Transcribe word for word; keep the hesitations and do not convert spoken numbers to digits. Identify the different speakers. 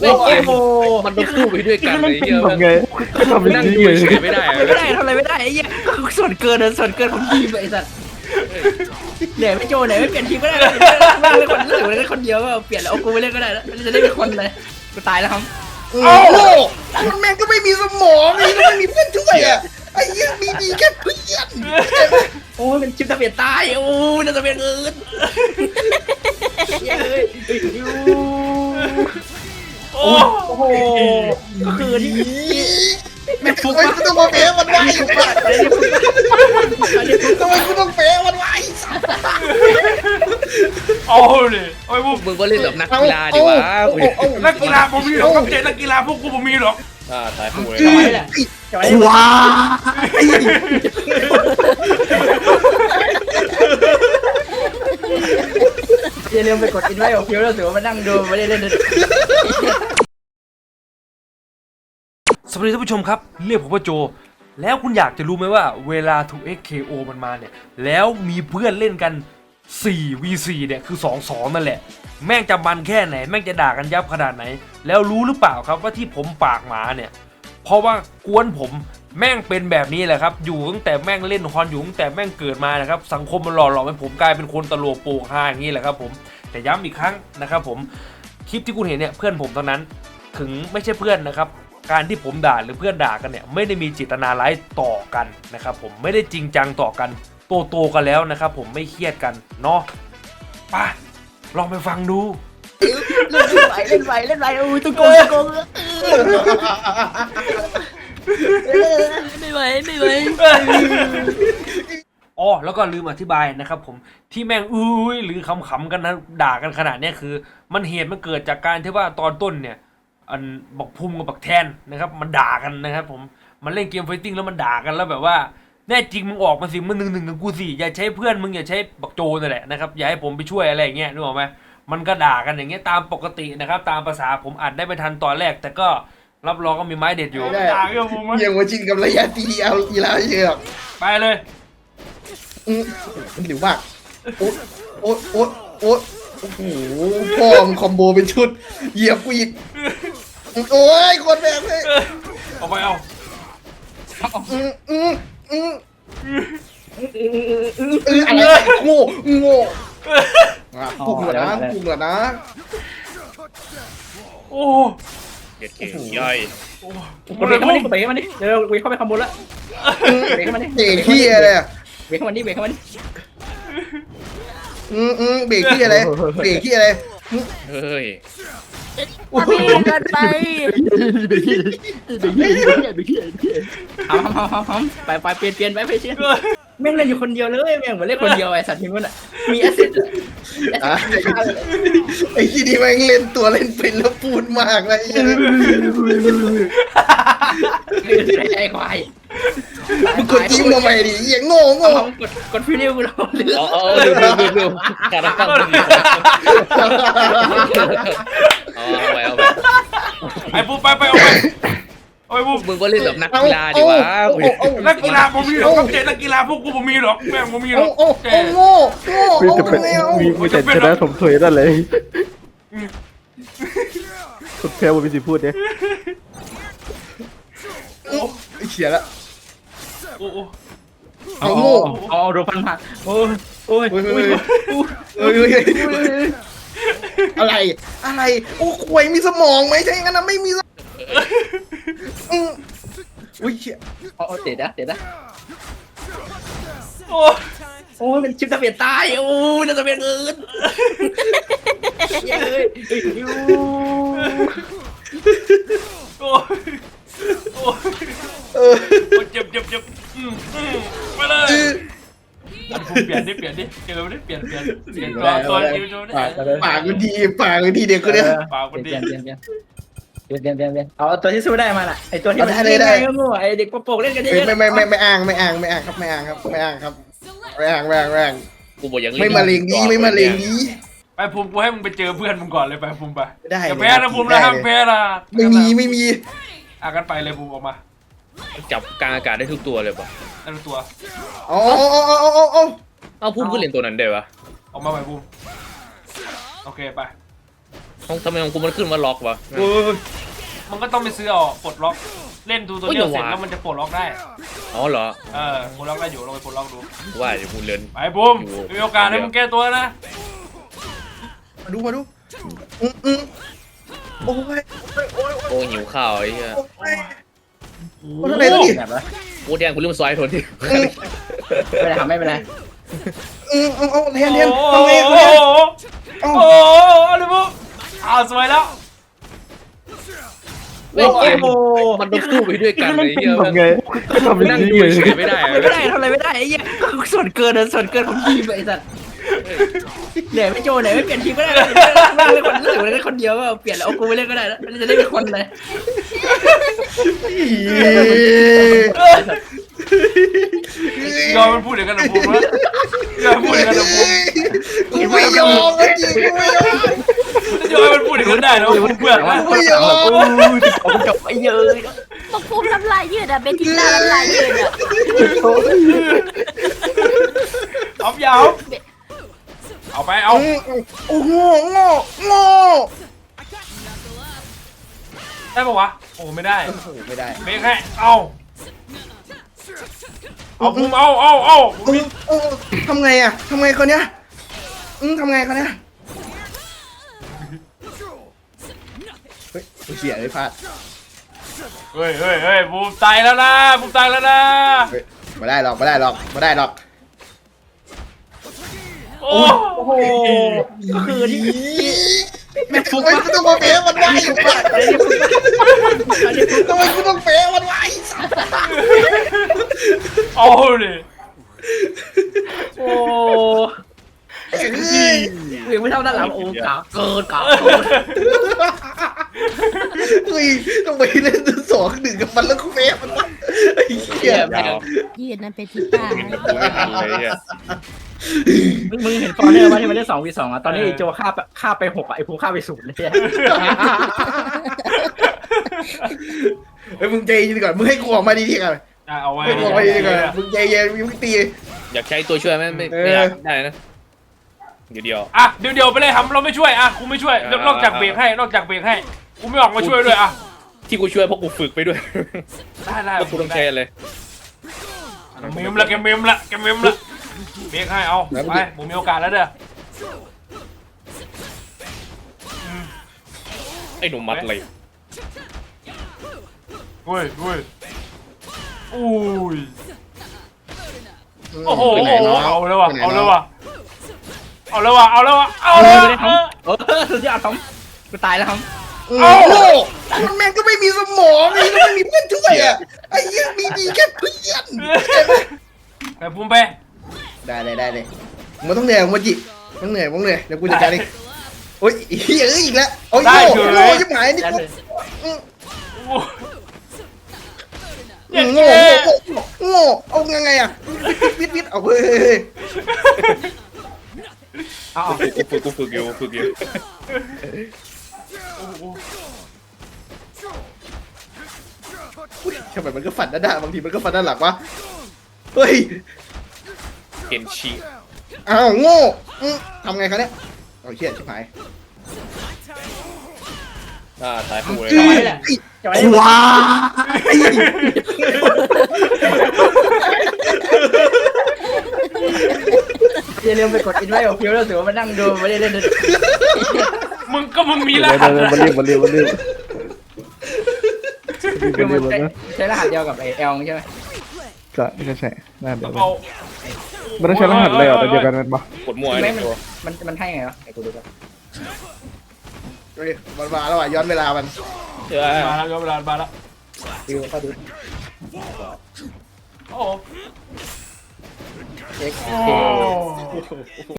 Speaker 1: โอ้โห
Speaker 2: มันต้องสู้ไปด้วยกันเลยเยอะ
Speaker 3: ทำไงทำ
Speaker 2: นั่ง
Speaker 3: นี่
Speaker 2: ดู
Speaker 3: ไง
Speaker 2: เฉยไม่ได้
Speaker 1: ไม่ได้ทำอะไรไม่ได้ไอ้เหี้ยส่วนเกินส่วนเกินของทีมไอ้สัตว์เหนื่อยไม่โจเหนื่อยไม่เปลี่ยนทีมก็ได้ไม่เล่นคนรู้สึกเล่นคนเดียวก็เปลี่ยนแล้วเอากูไปเล่นก็ได้แล้วจะได้เป็นคนเลยกูตายแล้วครับ
Speaker 4: โอ้โหมันแม่งก็ไม่มีสมองนี่ก็ไม่มีเพื่อนช่วยอ่ะไอ้ยังมีดีแค่เพื่อน
Speaker 1: โอ้ยเป็นชิปทะเบียนตายโอ้ยทะเบียนอื่นเฮ้ยโอ้โหก็คือที่
Speaker 4: แม่งทำไมกูต้องมาแพ้มันวะทำไมกูต้องแพ้มันวะ
Speaker 5: เอาเลยโอ้ยพวก
Speaker 2: มึงก็เล่นแบบนักกีฬาดีวะ
Speaker 5: นักกีฬาผมมีหรอกครับเจ๊นักกีฬาพวกกูผมมีหรอก
Speaker 2: อ่าตายคู่เลย
Speaker 1: จะไว้แหละจะไว้
Speaker 4: ว้า
Speaker 1: อย่าลืมไปกดอินไว้ของคิวแล้วถือว่ามานั่งดูไม่ได้เล่น
Speaker 5: สวัสดีท่านผู้ชมครับเรียกผมว่าโจแล้วคุณอยากจะรู้ไหมว่าเวลา ทู เอ็กซ์ เค โอ มันมาเนี่ยแล้วมีเพื่อนเล่นกัน สี่ วี สี่ เนี่ยคือ สอง สอง นั่นแหละแม่งจะมันแค่ไหนแม่งจะด่ากันยับขนาดไหนแล้วรู้หรือเปล่าครับว่าที่ผมปากหมาเนี่ยเพราะว่ากวนผมแม่งเป็นแบบนี้แหละครับอยู่ตั้งแต่แม่งเล่นฮอนอยู่ตั้งแต่แม่งเกิดมานะครับสังคมมันหล่อหลอมให้ผมกลายเป็นคนตลกโปกฮาอย่างนี้แหละครับผมแต่ย้ำอีกครั้งนะครับผมคลิปที่คุณเห็นเนี่ยเพื่อนผมเท่านั้นถึงไม่ใช่เพื่อนนะครับการที่ผมด่าหรือเพื่อนด่ากันเนี่ยไม่ได้มีเจตนาร้ายต่อกันนะครับผมไม่ได้จริงจังต่อกันโตโตกันแล้วนะครับผมไม่เครียดกันเนาะไปลองไปฟังดู
Speaker 1: เล่นไปเล่นไปเล่นไปโอ้ยตุ้งโกงตุ้งโกงไม่ไหวไม่ไหว
Speaker 5: อ๋อแล้วก็ลืมอธิบายนะครับผมที่แม่งอุ้ยหรือขำๆกันนะด่ากันขนาดนี้คือมันเหตุมันเกิดจากการที่ว่าตอนต้นเนี่ยอันบักพุ่มกับบักแทนนะครับมันด่ากันนะครับผมมันเล่นเกมไฟติ้งแล้วมันด่ากันแล้วแบบว่าแน่จริงมึงออกมาสิมึงหนึ่งหนึ่งกับกูสิอย่าใช้เพื่อนมึงอย่าใช้บักโจนั่นแหละนะครับอย่าให้ผมไปช่วยอะไรอย่างเงี้ยนึกออกไหมมันก็ด่ากันอย่างเงี้ยตามปกตินะครับตามภาษาผมอัดได้ไม่ทันตอนแรกแต่ก็รับรองก็มีไม้เด็ดอยู่ด่ากันผมมั้ย
Speaker 4: ยังมาชินกับระยะตีเอาอีลาเยอะ
Speaker 5: ไปเลย
Speaker 4: มันหลิวมากโอ๊ตโอ๊ตโอ๊ตโอ๊ตโอ้โหพ่อมคอมโบเป็นชุดเหยียบกูอีกโอ้ยคนแบบเลย
Speaker 5: เอาไปเอา
Speaker 4: อืมอืมอืมอืออะไรโง่โง่ปุ่มเหรอนะปุ่มเหรอนะ
Speaker 5: โอ้
Speaker 2: เด็ดเก่งย่อย
Speaker 1: กดเบรกเข้ามาดิกดเบรกเข้ามาดิเดี๋ยวเบรกเข้าไปขโมยละเบรกเข้ามาดิ
Speaker 4: เบรกที่อะไรอ่ะ
Speaker 1: เบรกเข้ามาดิเบรกเข้ามาดิ
Speaker 4: อืมอืมเบรกที่อะไรเบรกที่อะไร
Speaker 2: เฮ้ย
Speaker 1: กันไปทำทำทำทำไปไปเปลี่ยนเปลี่ยนไปไปเปลี่ยนแม่งเล่นอยู่คนเดียวเลยแม่งเหมือนเล่นคนเดียวไอ้สัตว์ทีมนั้นอ่ะมีแอสซิสต์
Speaker 4: ไอ้ที่นี่แม่งเล่นตัวเล่นเป็นแล้วพูดมากเลย
Speaker 1: ไอ้ควาย
Speaker 4: มึงกดจิ้มทำไมดิอย่างโง่โง่
Speaker 1: กดกดฟิวนิวกูลองเลือ
Speaker 2: เอาเอาเร็วเร็วเร็วเร็วการตั้งตัวเอาเอาไปเอาไป
Speaker 5: ไอ้ปุ๊บไปไปเอาไปเอาไปปุ๊บ
Speaker 2: มึงก็เล่นแบบนักกีฬาดีวะ
Speaker 5: นักกีฬาผมมีหรอกครับเจ๊นักกีฬาพวกกูผมมีหรอกแม่งผมมีหร
Speaker 4: โอ้
Speaker 5: อก
Speaker 4: โอ้โอ้โง่โง่
Speaker 3: มี
Speaker 4: โอ้
Speaker 3: แต่เป็น
Speaker 4: แมว
Speaker 3: มีมีแต่ชนะสมถวยนั่นเลยคุณแพ้ผมมีสิพูดเนี่ย
Speaker 4: เขียนละ
Speaker 5: โอ้โห
Speaker 4: เอาโง่
Speaker 1: เอาโดนฟันมาโอ้ยโอ้ย
Speaker 4: เฮ้ยเฮ้ยเฮ้ยเฮ้ยอะไรอะไรโอ้ควยมีสมองไหมใช่งั้นนะไม่มีอุ้ยเขีย
Speaker 1: เอาเด็ดนะเด็ดนะ
Speaker 5: โอ้
Speaker 1: โอ้ยเป็นชิปทะเบียนตายโอ้ยทะเบียนอื่นเฮ้ย
Speaker 5: โอ้โอ้เจ็บเจ็บเจ็บไปเลยผมเปลี่ยนดิเปลี่ยนดิเจอไม่ได้เปลี่ยนเปลี่ยนเปลี่ยนตัวตัวยูโจนี่
Speaker 4: ปากมันดีปากมันดีเด็กคนเนี้ย
Speaker 5: ปากมันดี
Speaker 1: เปลี่ยนเปลี่ยนเปลี่ยนเปลี่ยนเปลี่ยนเปลี่ยนเปลี่ยนเอาตัวที่สู้ได้มาล่ะไอตัวที่มันเล่นได้ก็โง่ไอเด็กโป่งเล่นกันเยอะ
Speaker 4: ไม่ไม่ไม่ไม่อ้างไม่อ้างไม่อ้างครับไม่อ้างครับไม่อ้างครับไม่อ้างไม่อ้างไม่อ้าง
Speaker 2: กูบอกอย่าง
Speaker 4: ไม่มาเลงดีไม่มาเลงดี
Speaker 5: ไปภูมิกูให้มึงไปเจอเพื่อนมึงก่อนเลยไปภูมิไป
Speaker 4: ได้
Speaker 5: อย่าแพ้นะภูมินะห้ามแพ้นะ
Speaker 4: ไม่มีไม่มี
Speaker 5: อ่ะกันไปเลยภูมิออกมา
Speaker 2: จับกลางอากาศได้ทุกตัวเลยป่ะ
Speaker 5: นั่นตัว
Speaker 4: อ๋ออ๋ออ๋ออ๋ออ๋อ
Speaker 2: เอาพุ่มก็เล่นตัวนั้นได้ปะ
Speaker 5: ออกมาไปภูมิโอเคไป
Speaker 2: ของทำไมของกูมันขึ้นมาล็อกวะ
Speaker 4: โอ้ย
Speaker 5: มันก็ต้องไปซื้อเอาปลดล็อกเล่นดูตัวเดียว
Speaker 2: โอ้ย
Speaker 5: เสร็จ
Speaker 2: อย่าว่า
Speaker 5: แล้วมันจะปลดล็อกได้
Speaker 2: อ๋อเหรอ
Speaker 5: เออปลดล็อกได้อยู่ลองไปปลดล็อกดู
Speaker 2: ว่าเดี๋ยวกูเรียน
Speaker 5: ไปบูมมีโอกาสให้มึงแก้ตัวนะ
Speaker 4: มาดูมาดูอืมอืมโอ้ยโอ้ยโอ้ย
Speaker 2: โอ้หิวข้าวไอ้เหี้ย
Speaker 4: โอ้ย โอ้ทำไมต้องดิ
Speaker 1: แบบว่า
Speaker 2: โอ้แดงกูลืมซอยโทนที่
Speaker 1: ไม่เป็นไรครับไม่เป็นไร
Speaker 4: อืมเอาเอาเทียน
Speaker 5: โอ้
Speaker 4: เทียน
Speaker 5: โห
Speaker 4: ทำไง
Speaker 5: โอ้
Speaker 4: ทำไง
Speaker 5: โห
Speaker 4: เอ้า
Speaker 5: โอ้โหอะไรบูมอ้าวสวยแล้ว
Speaker 2: เว้ยเกมมันต้องสู้ไปด้วยกันไอ้เหี้ย
Speaker 3: ทำไงทำ
Speaker 2: นั่ง
Speaker 3: อย่าง
Speaker 2: ดู
Speaker 3: นี้เลย
Speaker 2: เฉยๆไม่ได้
Speaker 1: ทำอะไรไม่ได้ทำอะไรไม่ได้ไอ้เหี้ยส่วนเกินส่วนเกินของทีมไอ้สัตว์เหนื่อยไม่โจเหนื่อยไม่เปลี่ยนทีมก็ได้นั่งเล่นคนรู้สึกเล่นคนเดียวก็เปลี่ยนแล้วเอากูไปเล่นก็ได้แล้วจะได้เป็นคนเลย
Speaker 5: ยอมมันพูดอย่างนั้นนะบูมนะยอมมันพูดอย่างนั้นนะบูม
Speaker 4: กูไม่ยอมจริงกูไม่ยอม
Speaker 5: ยอมมันพูดอย่างนั้นได้นะบูมเพื่อนนะ
Speaker 4: ไม่ยอม
Speaker 1: โอ้ยผมจบไอ้เยอะ
Speaker 6: บอกภูมิน้ำลายยืดอะเบนทิล่าน้ำลายยืดอะ
Speaker 5: เอายาวเอาไปเอา
Speaker 4: โอ้โหโง่โง่
Speaker 5: ได้ปะวะโอ้ไม่ได้
Speaker 4: โอ้โหไม่ได้
Speaker 5: เบรกให้เอาเอาบูมเอาเอาเอา
Speaker 4: โอ้โอ้ทำไงอ่ะทำไงคนเนี้ยอืมทำไงคนเนี้ยเฮ้ยเสียเลยพลาด
Speaker 5: เฮ้ยเฮ้ยเฮ้ยบูมตายแล้วนะบูมตายแล้วนะ
Speaker 4: เฮ้ยไม่ได้หรอกไม่ได้หรอกไม่ได้หรอก
Speaker 5: โอ้
Speaker 1: โอ้โหก็คือที่
Speaker 4: แม่ฟุกกูต้องมาเป๊ะมันไว้ทำไมกูต้องเป๊ะมันไว้
Speaker 5: เอาดิ
Speaker 1: โอ้
Speaker 4: เฮ้ย
Speaker 1: ยไม่เท่าด้านหลังโอ้กาเกินกา
Speaker 4: เฮ้ยต้องไปเล่นสองหนึ่งกับมันแล้วกูเป๊ะมันวะไอ้เหี้ย
Speaker 6: ยืดนะเบนทิล่า
Speaker 2: กูไม่ทันเลยเนี่ย
Speaker 1: มึงมึงเห็นฟอร์เนอร์ว่าที่มันเล่นสองวีสองอ่ะตอนนี้ไอ้โจฆ่าฆ่าไปหกอ่ะไอ้ภูฆ่าไปศูนย์เลย
Speaker 4: เฮ้ยมึงใจเย็นก่อนมึงให้กูออกมาดีๆก่อน
Speaker 5: อ่ะเอาไว้
Speaker 4: ให้กูออกมาดีๆก่อนมึงใจเย็นมึงตี
Speaker 2: อยากใช้ตัวช่วยไหมไม่ไม่อยากได้นะเดี๋ยวเดียว
Speaker 5: อ่ะเดี๋ยวเดี๋ยวไปเลยทำเราไม่ช่วยอ่ะกูไม่ช่วย
Speaker 2: อ่าน
Speaker 5: อกจากเบรกให้นอกจากเบรกให้กูไม่ออกมาช่วยด้วยอ่ะ
Speaker 2: ที่กูช่วยเพราะกูฝึกไปด้วย
Speaker 5: ได้ได้
Speaker 2: ก็กูต้องใช้เลย
Speaker 5: เมมละแกเมมละแกเมมละเบรกให้เอาไปผมมีโอกาสแล้วเด้อ
Speaker 2: ไอ้หนุ่มมัดเลย
Speaker 5: เว้ยเว้ยอุ้ยโอ้โหเอาเลยว่ะเอาเลยว่ะเอาเลยว่ะเอาเลยว่ะเอาเลยว่ะ
Speaker 1: เออสุดยอดครับกูตายแล้วครับ
Speaker 4: โอ้โหมันแม่งก็ไม่มีสมองไอ้ก็ไม่มีเพื่อนช่วยอ่ะไอ้เหี้ยมีดีแค่เพื่อน
Speaker 5: ไปพุ่มไป
Speaker 4: ได้เลยได้เลยมึงต้องเหนื่อยมึงจิมึงเหนื่อยมึงเหนื่อยเดี๋ยวกูจัดการเองโอ้ยเฮ้ยเอ้ยอีกแล้วโอ้ยโง่โง่ยิ่งหายนี่กูโง่โง่โง่เอาไงอ่ะวิทวิทเอาเฮ้ย
Speaker 1: เอา
Speaker 2: กูฝึกกูฝึกอยู่ฝึกอยู่
Speaker 4: ทำไมมันก็ฝันด้านหน้าบางทีมันก็ฝันด้านหลังวะเฮ้ย
Speaker 2: เกนชี
Speaker 4: อ้าวโง่ทำไงคะเนี่ยเอาเชี่ยชิบหาย
Speaker 2: อ่าตายกูเลย
Speaker 1: จอยแหละจอย
Speaker 4: ว้า
Speaker 1: อย่าลืมไปกดอินไว้ของพิวแล้วถือว่ามานั่งดูไม่ได้เล่นเลย
Speaker 5: มึงก็มึงมีร
Speaker 3: เดี๋ยว
Speaker 5: หัส
Speaker 3: เดี๋ยว
Speaker 5: นะ
Speaker 3: มาเรียบมาเรียบมาเรียบ
Speaker 1: คือ
Speaker 3: มา
Speaker 1: มั
Speaker 3: เรีย
Speaker 1: น
Speaker 3: บนะ
Speaker 1: ใช้รหัสเดียวกับไอเอลใช่ไหม
Speaker 3: ก็ก็ใช่น่าเดี๋ยว
Speaker 5: เอา
Speaker 3: มันต้องใช้รหัสเลยเหรอแต่เดียวกันมันปะ
Speaker 2: กดมั่วไอ้
Speaker 1: ไม่
Speaker 2: ตัว
Speaker 1: มันมันให้ไงวะไอกูดูกัน
Speaker 4: เฮ้ยมันมาแล้วอ่ะย้อนเวลามัน
Speaker 2: เออ
Speaker 5: มาแล้วย้อนเวลามาแล้ว
Speaker 1: ดูเข้าดู
Speaker 5: โอ้โห
Speaker 1: เช็ค
Speaker 5: โอ้